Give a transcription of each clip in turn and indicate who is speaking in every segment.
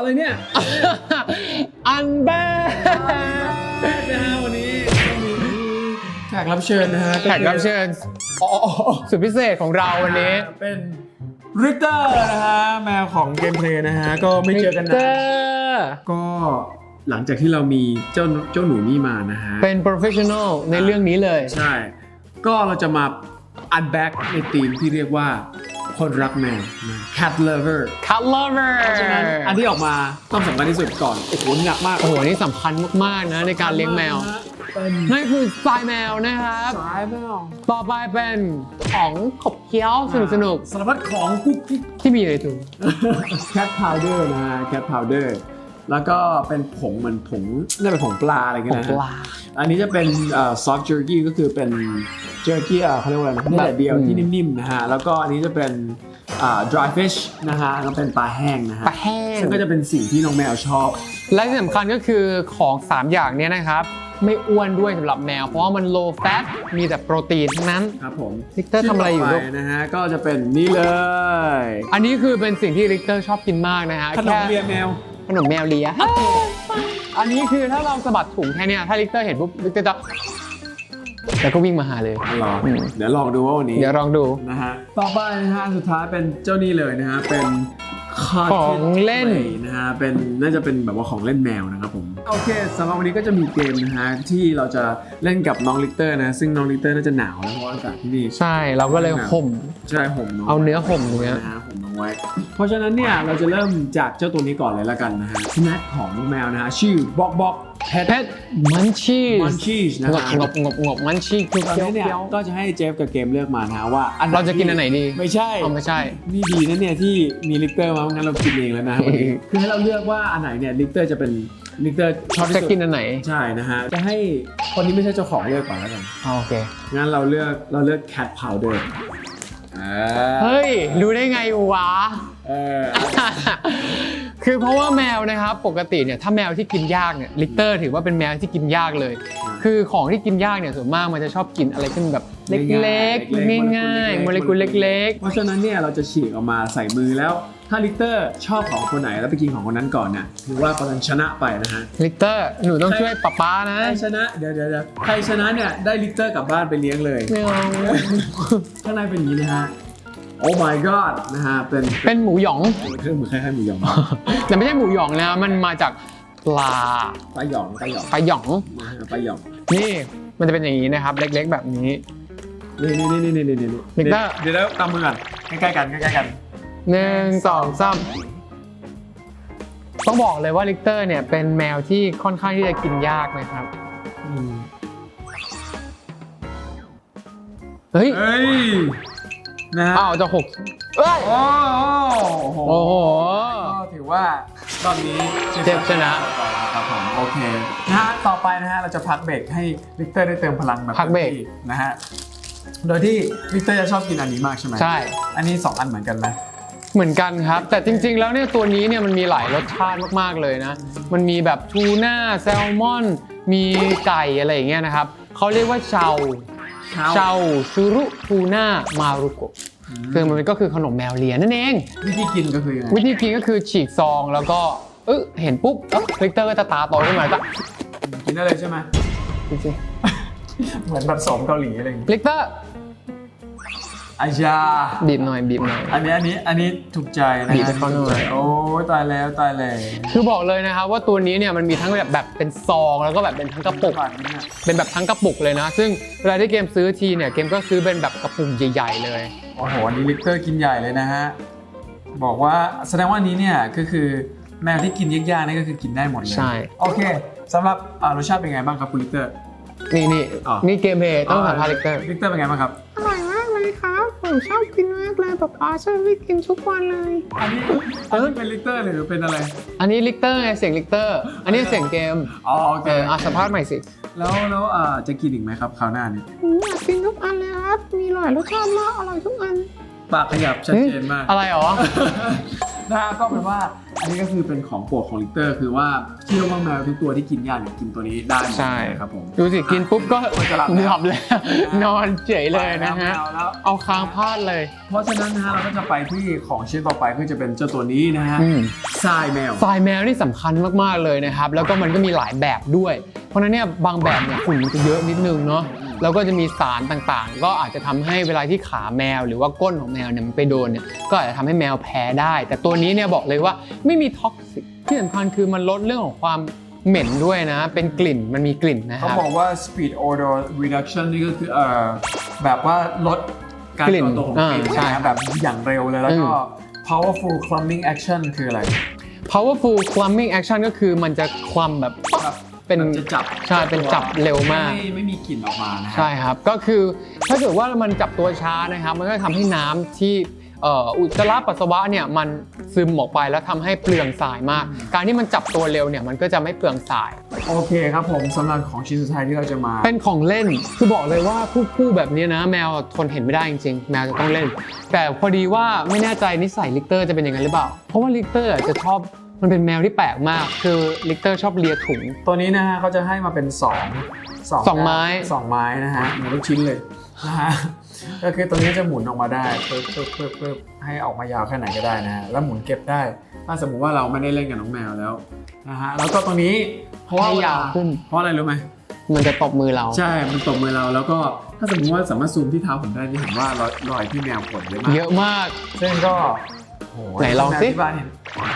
Speaker 1: อะไรเนี่ย
Speaker 2: อันแบด
Speaker 1: นะฮะวันนี้ก็มีแขกรับเชิญนะฮะ
Speaker 2: แขกรับเชิญสุดพิเศษของเราวันนี้
Speaker 1: เป็นริกเตอร์นะฮะแมวของเกมเพลย์นะฮะก็ไม่เจอกันนานก็หลังจากที่เรามีเจ้าหนูนี่มานะฮะ
Speaker 2: เป็น professional ในเรื่องนี้เลย
Speaker 1: ใช่ก็เราจะมาอันแบ็กในธีมที่เรียกว่าคนรักแมวนะ cat lover
Speaker 2: cut lover
Speaker 1: เพราะฉะนั้นอันที่ออกมาต้องสำคัญที่สุดก่อนโอ้โหหนักมาก
Speaker 2: โอ้โหนี่สำคัญมากๆนะในการเลี้ยงแมว
Speaker 1: เป็น
Speaker 2: นั่นคือสายแมวนะครับ
Speaker 1: สายแมว
Speaker 2: ต่อไปเป็นของขบเคี้ยวสนุก
Speaker 1: สารพัดของกุ๊กกิ๊ก
Speaker 2: ๆที่มีอยู่ในถุง
Speaker 1: cat powder นะฮะ cat powder แล้วก็เป็นผงเหมือนผงน่าเป็นผงปลาอะไรเงี้ยนะ
Speaker 2: ผงปลา
Speaker 1: อันนี้จะเป็นsoft jerky ก็คือเป็น jerky เขาเรียกว่าอะไรนะเนื้อแดดเดียวที่นิ่มๆนะฮะแล้วก็อันนี้จะเป็นdry fish นะฮะแล้วเป็นปลาแห้งนะฮะ
Speaker 2: ปลาแห้ง
Speaker 1: ซึ่งก็จะเป็นสิ่งที่น้องแมวชอบ
Speaker 2: และที่สำคัญก็คือของ 3 อย่างเนี้ยนะครับ ไม่อ้วนด้วยสำหรับแมว เพราะว่ามัน low fat มีแต่โปรตีนทั้งนั้น
Speaker 1: ครับผม
Speaker 2: ลิกเตอร์ทำอะไรอยู่ลูก
Speaker 1: ชิ้นต่ไปนะฮะก็จะเป็นนี่เลย
Speaker 2: อันนี้คือเป็นสิ่งที่ลิกเตอร์ชอบกินมากนะฮะ
Speaker 1: ขนมเลียแมว
Speaker 2: ขนมแมวเลีย อันนี้คือถ้าเราสะบัดถุงแค่เนี้ยถ้าลิกเตอร์เห็นปุ๊บลิกเตอร์จะแล้วก็วิ่งมาหาเลย
Speaker 1: ลองเดี๋ยวลองดูว่าวันนี้
Speaker 2: เดี๋ยวลองดู
Speaker 1: นะฮะต่อไปนะฮะสุดท้ายเป็นเจ้านี่เลยนะฮะเป็น
Speaker 2: ของเล่น
Speaker 1: นะฮะเป็นน่าจะเป็นแบบว่าของเล่นแมวนะครับผมโอเคสำหรับวันนี้ก็จะมีเกมนะฮะที่เราจะเล่นกับน้องลิกเตอร์นะซึ่งน้องลิกเตอร์น่าจะหนาวนะเพราะว่าอากาศที่นี่
Speaker 2: ใช่เราก็เลยห่ม
Speaker 1: ใช่ห่มน้อง
Speaker 2: เอาเนื้อห่มเนื้อ
Speaker 1: นะฮะห่มน้องไว้ เพราะฉะนั้นเนี่ยเราจะเริ่มจากเจ้าตัวนี้ก่อนเลยละกันนะฮะสแน็คของน้องแมวนะฮะชื่อบ็อกบ็อกเพ
Speaker 2: เพชรมันชีส
Speaker 1: มันชีสนะ
Speaker 2: ง
Speaker 1: ฮะ
Speaker 2: บมันชีสคือ
Speaker 1: ตอน
Speaker 2: เคี้ยว
Speaker 1: นี้เนี่ย
Speaker 2: เคี้ยว
Speaker 1: ก็จะให้เจฟกับเกมเลือกมานะฮะว่า
Speaker 2: เราจะกินอันไหนดี
Speaker 1: ไม่ใช่
Speaker 2: อ๋อไม่ใช่
Speaker 1: นี่ดีนะเนี่ยที่มีลิกเตอร์มางั้นเรากินเองแล้วนะวันนี้คือให้เราเลือกว่าอันไหนเนี่ยลิกเตอร์จะเป็นลิกเตอร์ชอบที่
Speaker 2: จะ
Speaker 1: สุด
Speaker 2: กินอันไหน
Speaker 1: ใช่นะฮะจะให้คนที่ไม่ใช่เจ้าของเลือกก่อนแล้วกัน
Speaker 2: โอเค
Speaker 1: งั้นเราเลือก cat powder
Speaker 2: เฮ้ยรู้ได้ไงวะ
Speaker 1: เออ
Speaker 2: คือเพราะว่าแมวนะครับปกติเนี่ยถ้าแมวที่กินยากเนี่ยลิกเตอร์ถือว่าเป็นแมวที่กินยากเลย คือของที่กินยากเนี่ยส่วนมากมันจะชอบกินอะไรที่มันแบบเล็กๆง่ายๆโมเลกุลเล็ก
Speaker 1: เพราะฉะนั้นเนี่ยเราจะฉีกออกมาใส่มือแล้วถ้าลิกเตอร์ชอบของคนไหนแล้วไปกินของคนนั้นก่อนเนี่ยถือว่าคนนั้นชนะไปนะฮะ
Speaker 2: ๆลิกเตอร์หนูต้องช่วยป๊าๆนะ
Speaker 1: ใครชนะเดี๋ยวใครชนะเนี่ยได้ลิกเตอร์กลับบ้านไปเลี้ยงเลย
Speaker 2: ไม่เอา
Speaker 1: ข้างในเป็นอย่างนี้นะฮะ Oh my god นะฮะ
Speaker 2: เป็นหมูหยอง
Speaker 1: เครื่องมือคล้ายๆหมูหยอง
Speaker 2: แต่ไม่ใช่หมูหยองนะมันมาจากปลา
Speaker 1: ปลาหยอง
Speaker 2: ปลาหยอง
Speaker 1: นะฮะปลาหยอง
Speaker 2: นี่มันจะเป็นอย่างนี้นะครับ เล็กๆแบบนี้
Speaker 1: นี่
Speaker 2: ลิกเตอร์
Speaker 1: เดี๋ยวตามมือก่อนใกล้ๆกัน
Speaker 2: 1 2 3ต้องบอกเลยว่าลิกเตอร์เนี่ยเป็นแมวที่ค่อนข้างที่จะกินยากนะครับเฮ้ย
Speaker 1: เฮ้ยนะฮะ
Speaker 2: อ้าวจะหกเอ้ย
Speaker 1: โอ้โห
Speaker 2: โอ้โห
Speaker 1: ก็ถือว่ารอบนี้
Speaker 2: เจฟชนะ
Speaker 1: ครับผมโอเคนะฮะต่อไปนะฮะเราจะพักเบรกให้ลิกเตอร์ได้เติมพลังแบบ
Speaker 2: พักเบรก
Speaker 1: ต็มที่นะฮะโดยที่ลิกเตอร์จะชอบกินอันนี้มากใช่ไหม
Speaker 2: ใช่
Speaker 1: อันนี้2อันเหมือนกันไหม
Speaker 2: เหมือนกันครับ แต่จริงๆแล้วเนี่ยตัวนี้เนี่ยมันมีหลายรสชาติมากๆเลยนะมันมีแบบทูน่าแซลมอนมีไก่อะไรอย่างเงี้ยนะครับเขาเรียกว่าเชาชูรุทูน่ามารุโกะคือมันก็คือขนมแมวเลียนั่นเอง
Speaker 1: วิธีกินก็คือยังไง
Speaker 2: วิธีกินก็คือฉีกซองแล้วก็เห็นปุ๊บลิกเตอร์ก็จะตาโตขึ้นมาก็
Speaker 1: กินได้เลยใช่ไหม
Speaker 2: จริง
Speaker 1: เหมือนแบบโสมเกาหลีอะไรอย่างเงี้ย
Speaker 2: ๆลิกเตอร์
Speaker 1: อาญา
Speaker 2: บีบหน่อย
Speaker 1: อันนี้ถูกใจนะ
Speaker 2: บีบให้เขาหน่อย
Speaker 1: ถูกใจโอ้ยตายแล้ว
Speaker 2: คือบอกเลยนะครับว่าตัวนี้เนี่ยมันมีทั้งแบบเป็นซองแล้วก็แบบเป็นทั้งกระปุก
Speaker 1: แบบนี้เนี่ย
Speaker 2: เป็นแบบทั้งกระปุกเลยนะ ซึ่งเวลาที่เกมซื้อทีเนี่ยเกมก็ซื้อเป็นแบบกระปุกใหญ่ๆเลย
Speaker 1: โอ้โหอันนี้ลิกเตอร์กินใหญ่เลยนะฮะบอกว่าแสดงว่าอันนี้เนี่ยก็คือแมวที่กินยากๆนี่ก็คือกินได้หมดเลย
Speaker 2: ใช่
Speaker 1: โอเคสำหรับรสชาติเป็นไงบ้างครับคุณลิกเตอร์
Speaker 2: นี่
Speaker 1: อ๋อ
Speaker 2: นี่เกมเพลย์ต้องถามพาลิกเตอร์
Speaker 1: ลิกเตอร์เป็นไงบ้างครับ
Speaker 3: อร่อยมากเลยครับ ผมชอบกินมากเลยป๊าป๊าชอบไปกินทุกวันเลย
Speaker 1: อันนี้เป็นลิกเตอร์หรือเป็นอะไร
Speaker 2: อันนี้ลิกเตอร์ไงเสียงลิกเตอร์อันนี้เสียงเกม
Speaker 1: อ๋อโอเค
Speaker 2: สัมภาษณ์ใหม่สิ
Speaker 1: แล้วจะกินอีกไหมครับคราวหน้านี้
Speaker 3: ผมอยากกินทุกอันเลยครับ มีหลายรสชาติมาก อร่อยทุกอัน
Speaker 1: ปากขยับชัดเจนมาก
Speaker 2: อะไรหรอ
Speaker 1: นะฮะก็เป็นว่าอันนี้ก็คือเป็นของโปรดของลิกเตอร์คือว่าเชื่อว่าแมวทุกตัวที่กินหญ้าเนี่ยกินตัวนี้ได้หมด
Speaker 2: ใช่
Speaker 1: ครับผม
Speaker 2: ดูสิกินปุ๊บก็
Speaker 1: จะหลับ
Speaker 2: หลับแล้ว นอนเฉยเลยนะฮะ
Speaker 1: แล้ว
Speaker 2: เอาค้างพาดเลย
Speaker 1: เพราะฉะนั้นนะฮะเราก็จะไปที่ของชิ้นต่อไปก็จะเป็นเจ้าตัวนี้นะฮะ
Speaker 2: อืม
Speaker 1: ทรายแมว
Speaker 2: ทรายแมวนี่สำคัญมากๆเลยนะครับ แล้วก็มันก็มีหลายแบบด้วย เพราะฉะนั้นเนี่ยบางแบบเนี่ยฝุ่นมันจะเยอะนิดนึงเนาะแล้วก็จะมีสารต่างๆ ก็อาจจะทำให้เวลาที่ขาแมวหรือว่าก้นของแมวเนี่ยมันไปโดนเนี่ยก็อาจจะทำให้แมวแพ้ได้ แต่ตัวนี้เนี่ยบอกเลยว่าไม่มีท็อกซิกที่สำคัญคือมันลดเรื่องของความเหม็นด้วยนะ เป็นกลิ่นมันมีกลิ่นนะค
Speaker 1: เขา
Speaker 2: รับ
Speaker 1: บอกว่า speed odor reduction นี่ก็คือแบบว่าลดการ
Speaker 2: กลิ่น
Speaker 1: ก่อตัวของกลิ่น
Speaker 2: ใช่
Speaker 1: นะแบบอย่างเร็วเลยแล้วก็ powerful clumping action คืออะไร
Speaker 2: powerful clumping action ก็คือมันจะคลัมแบบเป็น
Speaker 1: แบบจะจับ
Speaker 2: ใช่เป็นจับเร็วมาก
Speaker 1: ไม่มีกลิ่นออกมานะฮะ
Speaker 2: ใช่ครับก็คือถ้าเกิดว่ามันจับตัวช้านะครับมันก็ทำให้น้ำที่อุจจาระปัสสาวะเนี่ยมันซึมออกไปแล้วทำให้เปลืองทรายมาก การที่มันจับตัวเร็วเนี่ยมันก็จะไม่เปลืองทราย
Speaker 1: โอเคครับผมสำหรับของชิ้นสุดท้ายที่เราจะมา
Speaker 2: เป็นของเล่นคือบอกเลยว่าคู่แบบนี้นะแมวทนเห็นไม่ได้จริงๆแมวจะต้องเล่น แต่พอดีว่าไม่แน่ใจนิสัยลิกเตอร์จะเป็นอย่างนั้นหรือเปล่าเพราะว่าลิกเตอร์จะชอบมันเป็นแมวที่แปลกมากคือลิกเตอร์ชอบเลียถุง
Speaker 1: ตัวนี้นะฮะเขาจะให้มาเป็นสอง
Speaker 2: ไม้
Speaker 1: สองไม้นะฮะเหมือนลูกชิ้นเลยนะฮะก็คือตัวนี้จะหมุนออกมาได้ปึ๊บให้ออกมายาวแค่ไหนก็ได้นะฮะแล้วหมุนเก็บได้ถ้าสมมุติว่าเราไม่ได้เล่นกับน้องแมวแล้วนะฮะแล้วก็ตรงนี้เพราะว่า
Speaker 2: ให้ยาวขึ้น
Speaker 1: เพราะอะไรรู้ไหม
Speaker 2: มันจะตบมือเรา
Speaker 1: ใช่มันตบมือเราแล้วก็ถ้าสมมติว่าสามารถซูมที่เท้าผมได้นี่เห็นว่ารอยที่แมวกดเยอะมาก
Speaker 2: เยอะมาก
Speaker 1: ซึ่งก็โห
Speaker 2: ไหนลองสิ
Speaker 1: แมวที่บ้านเห็น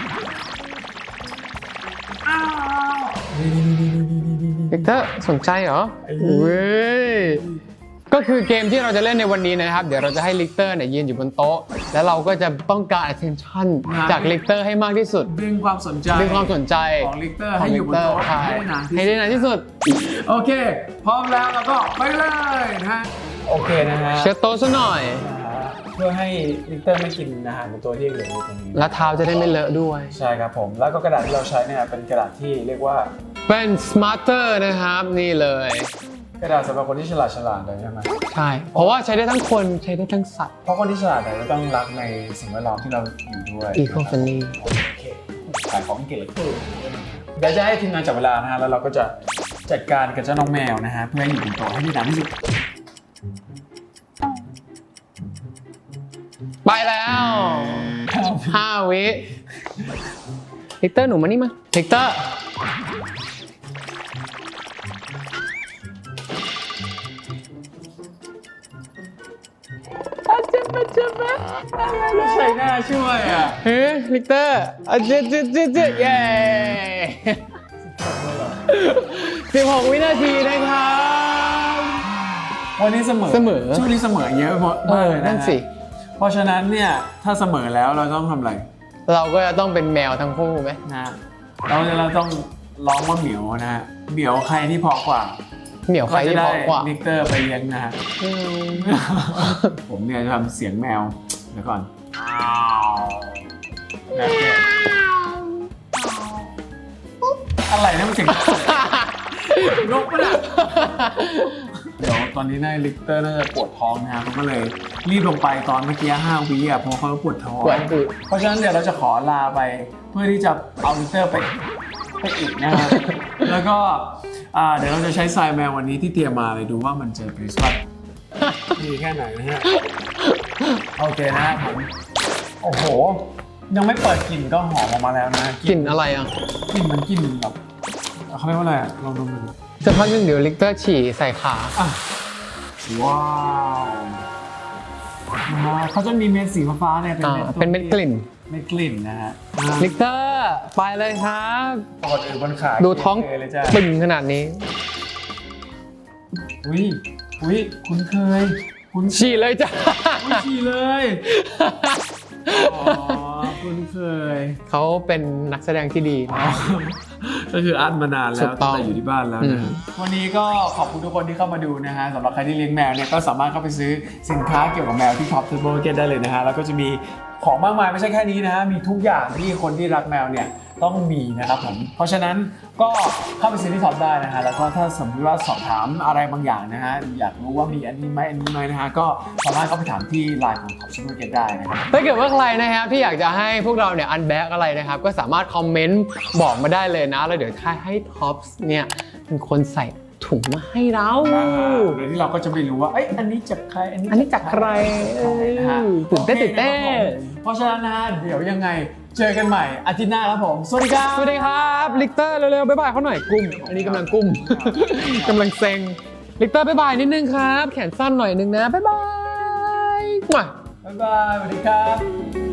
Speaker 1: นี่
Speaker 2: ลิกเตอร์สนใจเหรอเว้ยก็คือเกมที่เราจะเล่นในวันนี้นะครับเดี๋ยวเราจะให้ลิกเตอร์เนี่ยยืนอยู่บนโต๊ะแล้วเราก็จะต้องการ attention จากลิกเตอร์ให้มากที่สุด
Speaker 1: ดึงความสนใจ
Speaker 2: ดึงความสนใจ
Speaker 1: ของลิกเตอร์ให้อยู่บนโต๊ะ
Speaker 2: ใช่
Speaker 1: ให้ได้นานที่
Speaker 2: ให้
Speaker 1: สุด
Speaker 2: ได้นานที่สุด
Speaker 1: โอเค พร้อมแล้วเราก็ไปเลยนะฮะโอเคนะฮะ
Speaker 2: เช็ดโต๊ะซะหน่อย
Speaker 1: เพื่อให้ลิกเตอร์ไม่กินอาหารในตัวที่เหลืออยู่ตรงนี้
Speaker 2: แล้วเท้าจะได้ไม่เลอะด้วย
Speaker 1: ใช่ครับผมแล้วก็กระดาษที่เราใช้เนี่ยเป็นกระดาษที่เรียกว่า
Speaker 2: เป็น smarter นะครับนี่เลย
Speaker 1: กระดาษสำหรับคนที่ฉลาดเลยใช่ไหม
Speaker 2: ใช่ เพราะว่าใช้ได้ทั้งคนใช้ได้ทั้งสัตว์
Speaker 1: เพราะคนที่ฉลาดเนี่ยจะต้องรักในสิ่งแวดล้อมที่เราอยู่ด้วย
Speaker 2: eco-friendly
Speaker 1: โอเคขายของเก่งเลยเดี๋ยวจะให้ทีมงานจับเวลานะฮะแล้วเราก็จะจัดการกับเจ้าน้องแมวนะฮะเพื่อให้อยู่บนโต๊ะให้ได้นานที่สุด
Speaker 2: ไปแล้ว5 วิลิกเตอร์หนูมานี่มาลิกเตอร์
Speaker 1: ไม่ใช่หน้าช่วยอ่ะ
Speaker 2: เฮ้ยลิกเตอร์เจ๊เย้16 วินาทีนะครับ
Speaker 1: วันนี้เสมอช่วงนี้เสมอเยอะมากเลยนะ
Speaker 2: นั่นสิ
Speaker 1: เพราะฉะนั้นเนี่ยถ้าเสมอแล้วเราต้องทำอะไร
Speaker 2: เราก็จะต้องเป็นแมวทั้งคู่ไหม
Speaker 1: นะเราต้องร้องว่าเหมียวนะฮะเหมียวใครที่เพราะกว่า
Speaker 2: เหมียวใครที่เพราะกว่า
Speaker 1: ลิกเตอร์ไปเลี้ยงนะฮะ ผมเนี่ยจะทำเสียงแมวเดี๋ยวก่อนแบบเนี้ยอะไรนะมันเสียงนกปะเนี่ยเดี๋ยวตอนนี้นายลิกเตอร์น่าจะปวดท้องนะฮะเขาก็เลยรีบลงไปตอนเมื่อกี้5 วิอ่ะเพราะเขาปวดท้อง
Speaker 2: ปวดอึ
Speaker 1: เพราะฉะนั้นเดี๋ยวเราจะขอลาไปเพื่อที่จะเอาลิกเตอร์ไปอีกนะครับแล้วก็เดี๋ยวเราจะใช้ทรายแมววันนี้ที่เตรียมมาเลยดูว่ามันจะเป็นสัตว์ดีแค่ไหนนะฮะโอเคนะฮะผมโอ้โหยังไม่เปิดกลิ่นก็หอมออกมาแล้วนะ
Speaker 2: กลิ่นอะไรอ่ะ
Speaker 1: กลิ่นมันกลิ่นแบบเขาเรียกว่าอะไรอะลองดมดู
Speaker 2: จะพักนึงเดี๋ยวลิกเตอร์ฉี่ใส่ขา
Speaker 1: อ่ะว้าวเขาจะมีเม็ดสีฟ้าๆเนี่ย
Speaker 2: เป็นเม็ดกลิ่น
Speaker 1: เม็ดกลิ่นนะฮะ
Speaker 2: ลิกเตอร์ไปเลยครับ
Speaker 1: ปกติบนขา
Speaker 2: ดูท้อง
Speaker 1: เลยจ้ะ
Speaker 2: ปึ่งขนาดนี้
Speaker 1: อุ้ยคุ้นเคย
Speaker 2: ฉี่เลยจ้ะ
Speaker 1: ฉี่เลยอ๋อคุ้นเคย
Speaker 2: เขาเป็นนักแสดงที่ดี
Speaker 1: ก็คืออัดมานานแล้
Speaker 2: ถู
Speaker 1: ว
Speaker 2: กต้อง
Speaker 1: แต่อยู่ที่บ้านแล้วนะวันนี้ก็ขอบคุณทุกคนที่เข้ามาดูนะฮะสำหรับใครที่เลี้ยงแมวเนี่ยก็สามารถเข้าไปซื้อสินค้าเกี่ยวกับแมวที่ Top Turbo Market ได้เลยนะฮะแล้วก็จะมีของมากมายไม่ใช่แค่นี้นะฮะมีทุกอย่างที่คนที่รักแมวเนี่ยต้องมีนะครับผมเพราะฉะนั้นก็เข้าไปซื้อที่ท็อปได้นะฮะแล้วก็ถ้าสมมติว่าสอบถามอะไรบางอย่างนะฮะอยากรู้ว่ามีอันนี้ไหมนะฮะก็สามารถเข้าไปถามที่ไลน์ของท็อปซูเปอร์เก็ตได้นะครับ
Speaker 2: ถ้าเกิดว่าใครนะครับที่อยากจะให้พวกเราเนี่ยอันแบ็กอะไรนะครับก็สามารถคอมเมนต์บอกมาได้เลยนะแล้วเดี๋ยวให้ท็อปเนี่ยเป็นคนใส่ถุงมาให้เรา
Speaker 1: โดยที่เราก็จะไม่รู้ว่าอันนี้จากใคร
Speaker 2: อันนี้จากใคร
Speaker 1: นะฮะ
Speaker 2: ตื่นเต้น
Speaker 1: โอคนะครับผมเพราะฉะนั้นนะฮะเดี๋ยวยังไงเจอกันใหม่อาทิตย์หน้าครับผมสวัสดีครับ
Speaker 2: สวัสดีครับลิกเตอร์เร็วๆบ๊ายบายเขาหน่อยกุ้มอันนี้กำลังกุ้ม กำลังเซ็งลิกเตอร์บ๊ายบายนิดนึงครับแขนสั้นหน่อยนึงนะบ๊ายบาย
Speaker 1: บ๊ายบายสวัสดีครับ